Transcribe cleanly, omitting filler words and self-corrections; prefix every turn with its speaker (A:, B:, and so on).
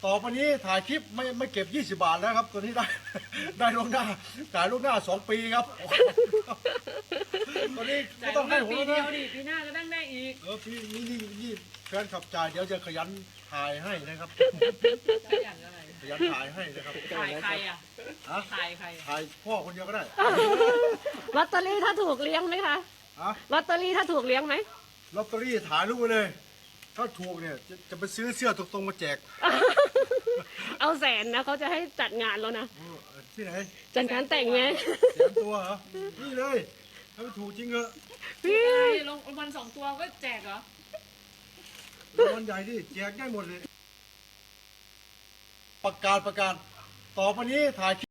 A: ต่อไปนี้ถ่ายคลิปไม่เก็บ20 บาทแล้วครับตัวนี้ได้ล่วงหน้าจ่ายล่วงหน้า2 ปีครับตอนนี้ไม่ต้องให้ผม
B: ปี
A: แล้ว
B: เดีย
A: นะ
B: วดิปีหน้าก็นั่งได้อีก
A: พี่นี่แฟนขับจ่ายเดี๋ยวจะขยันถ่ายให้นะครับ
B: ได้อย่างอะไร
A: ขยันถ่ายให้นะครับ
B: ถ่ายใครอ่ะ
A: ฮะ
B: ถ่ายใครอะ
A: ถ่ายพ่อคนเดียวก็ได้
C: ลอตเตอรี่ถ้าถูกเลี้ยงไหมคะ
A: ฮะ
C: ลอตเตอรี่ถ้าถูกเลี้ยงไหม
A: ลอตเตอรี่ถ่ายรูปไว้เลย ถ้าถูกเนี่ยจะไปซื้อเสื้อตรงๆมาแจก
C: เอาแสนนะเขาจะให้จัดงานแล้วนะ
A: ที่ไหน
C: จัดงานแต่งไง
A: แสนตัวเหรอนี่เลยถ้าไม่ถูกจริงเหรอ
C: พี่
B: ลงวัน2 ตัวก็แจกเหรอ
A: รางวัลใหญ่ดิแจกได้หมดเลยประกาศต่อไปนี้ถ่าย